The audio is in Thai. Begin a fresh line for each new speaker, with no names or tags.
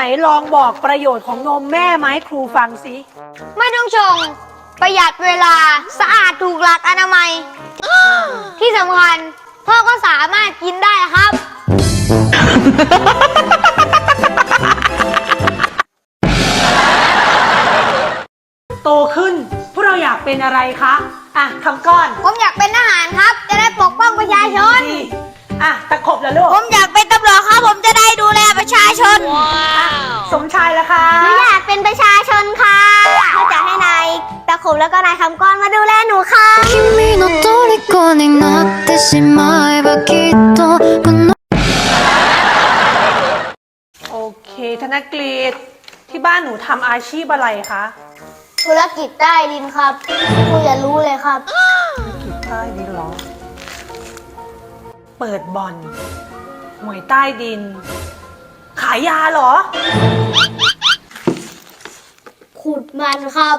ลองบอกประโยชน์ของนมแม่มาให้ครูฟังสิ
ไม่ต้องชง ประหยัดเวลาสะอาดถูกหลักอนามัย ที่สำคัญพ่อก็สามารถกินได้ครับ
โตขึ้นพวกเราอยากเป็นอะไรคะอ่ะคำก้อน
ผมอยากเป็นทหารครับ จะได้ปกป้องประชาชน
ดีอ่ะตะขบแล้วลูก
ผมอยากเป็นตำรวจครับ ผมจะได้ดูแลประชาชน
สมชายละคะ
หนูอยากเป็นประชาชนค่ะเขาจะให้นายตะขบแล้วก็นายคำก้อนมาดูแลหนูค่ะ
君の虜になってしまえばきっとこの
โอเคธนกฤษที่บ้านหนูทำอาชีพอะไรคะ
ธุรกิจใต้ดินครับครูอย่ารู้เลยครับ
ธุรกิจใต้ดินเหรอ เปิดบ่อนหวยใต้ดิน ขายยาเหรอ
ขุดมันครับ